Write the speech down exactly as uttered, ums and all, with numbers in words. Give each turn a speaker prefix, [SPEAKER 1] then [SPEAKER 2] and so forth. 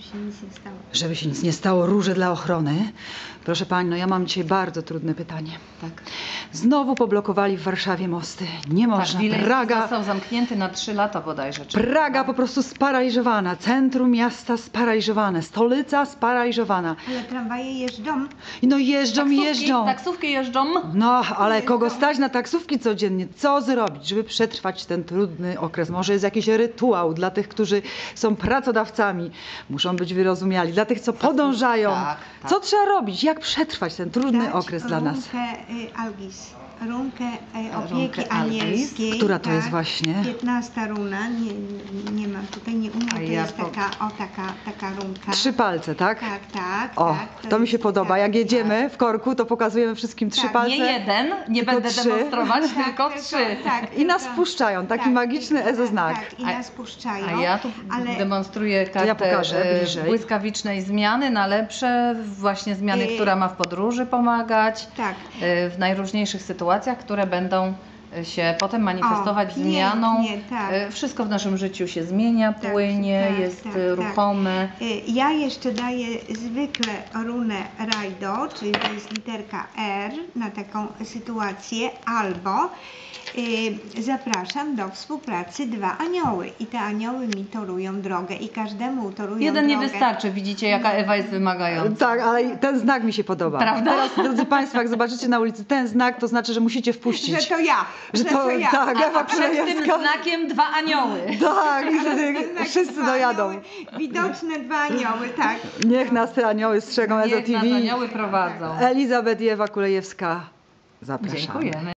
[SPEAKER 1] się nic nie stało.
[SPEAKER 2] Żeby się nic nie stało, róże dla ochrony. Proszę pani, no ja mam dzisiaj bardzo trudne pytanie.
[SPEAKER 3] Tak.
[SPEAKER 2] Znowu poblokowali w Warszawie mosty. Nie
[SPEAKER 3] Tak,
[SPEAKER 2] można.
[SPEAKER 3] Wileński
[SPEAKER 2] Praga,
[SPEAKER 3] został zamknięty na trzy lata bodajże. czy-
[SPEAKER 2] Praga po prostu sparaliżowana. Centrum miasta sparaliżowane. Stolica sparaliżowana.
[SPEAKER 1] Ale tramwaje jeżdżą.
[SPEAKER 2] I no jeżdżą i
[SPEAKER 3] Taksówki,
[SPEAKER 2] jeżdżą.
[SPEAKER 3] taksówki jeżdżą.
[SPEAKER 2] No, ale
[SPEAKER 1] Jeżdżą.
[SPEAKER 2] kogo stać na taksówki codziennie? Co zrobić, żeby przetrwać ten trudny okres? Może jest jakiś rytuał dla tych, którzy są pracodawcami. Muszą być wyrozumiali. Dla tych, co podążają.
[SPEAKER 3] tak, tak.
[SPEAKER 2] Co trzeba robić? Jak przetrwać ten trudny
[SPEAKER 1] Dać
[SPEAKER 2] okres dla nas?
[SPEAKER 1] Runkę y, Algis. Runkę y, opieki
[SPEAKER 3] Runkę Algis.
[SPEAKER 1] anielskiej.
[SPEAKER 2] Która to
[SPEAKER 1] tak.
[SPEAKER 2] jest właśnie?
[SPEAKER 1] piętnasta runa. Nie, nie mam tutaj, nie umiem.
[SPEAKER 3] A
[SPEAKER 1] To
[SPEAKER 3] ja
[SPEAKER 1] jest
[SPEAKER 3] po-
[SPEAKER 1] taka, o taka, taka runka.
[SPEAKER 2] Trzy palce, tak?
[SPEAKER 1] Tak, tak.
[SPEAKER 2] O,
[SPEAKER 1] tak,
[SPEAKER 2] to mi się
[SPEAKER 1] jest-
[SPEAKER 2] podoba.
[SPEAKER 1] tak,
[SPEAKER 2] Jak jedziemy w korku, to pokazujemy wszystkim trzy
[SPEAKER 1] Tak,
[SPEAKER 2] palce.
[SPEAKER 3] Nie jeden, nie
[SPEAKER 2] Tylko
[SPEAKER 3] będę
[SPEAKER 2] trzy.
[SPEAKER 3] demonstrować,
[SPEAKER 1] Tak,
[SPEAKER 3] tylko
[SPEAKER 1] tylko-
[SPEAKER 3] trzy.
[SPEAKER 1] tak,
[SPEAKER 2] I nas
[SPEAKER 1] tylko-
[SPEAKER 2] puszczają. Taki
[SPEAKER 1] tak,
[SPEAKER 2] magiczny
[SPEAKER 1] tak,
[SPEAKER 2] ezoznak.
[SPEAKER 1] Tak, i
[SPEAKER 3] A-
[SPEAKER 1] nas puszczają.
[SPEAKER 3] A ja tu
[SPEAKER 1] ale
[SPEAKER 3] demonstruję kartę
[SPEAKER 2] ja pokażę
[SPEAKER 3] e,
[SPEAKER 2] bliżej.
[SPEAKER 3] błyskawicznej zmiany na lepsze, właśnie zmiany,
[SPEAKER 1] Yy.
[SPEAKER 3] która ma w podróży pomagać,
[SPEAKER 1] tak.
[SPEAKER 3] e, w najróżniejszych sytuacjach, które będą się potem manifestować
[SPEAKER 1] O,
[SPEAKER 3] zmianą.
[SPEAKER 1] pięknie, tak.
[SPEAKER 3] E, Wszystko w naszym życiu się zmienia,
[SPEAKER 1] Tak,
[SPEAKER 3] płynie,
[SPEAKER 1] tak,
[SPEAKER 3] jest
[SPEAKER 1] tak,
[SPEAKER 3] e,
[SPEAKER 1] tak.
[SPEAKER 3] ruchome.
[SPEAKER 1] Y, Ja jeszcze daję zwykle runę Rajdo, czyli to jest literka R na taką sytuację, albo y, zapraszam do współpracy dwa anioły i te anioły mi torują drogę i każdemu torują
[SPEAKER 3] Jeden nie
[SPEAKER 1] drogę.
[SPEAKER 3] wystarczy, widzicie jaka Ewa jest wymagająca.
[SPEAKER 2] Tak, ale ten znak mi się podoba.
[SPEAKER 3] Prawda?
[SPEAKER 2] Teraz, drodzy Państwo, jak zobaczycie na ulicy ten znak, to znaczy, że musicie wpuścić.
[SPEAKER 1] Że to ja,
[SPEAKER 2] Że to,
[SPEAKER 1] ja.
[SPEAKER 2] tak,
[SPEAKER 1] A-
[SPEAKER 2] Ewa
[SPEAKER 1] a
[SPEAKER 3] Przed tym
[SPEAKER 2] Królewska.
[SPEAKER 3] znakiem dwa anioły.
[SPEAKER 2] Tak, i wtedy
[SPEAKER 1] Znak
[SPEAKER 2] wszyscy
[SPEAKER 1] dwa
[SPEAKER 2] dojadą.
[SPEAKER 1] anioły, widoczne dwa anioły, tak.
[SPEAKER 2] Niech nas te anioły strzegą, Ezo
[SPEAKER 3] Niech nas
[SPEAKER 2] T V.
[SPEAKER 3] anioły prowadzą.
[SPEAKER 2] Elizabeth i Ewa Kulejewska. Zapraszamy.
[SPEAKER 3] Dziękujemy.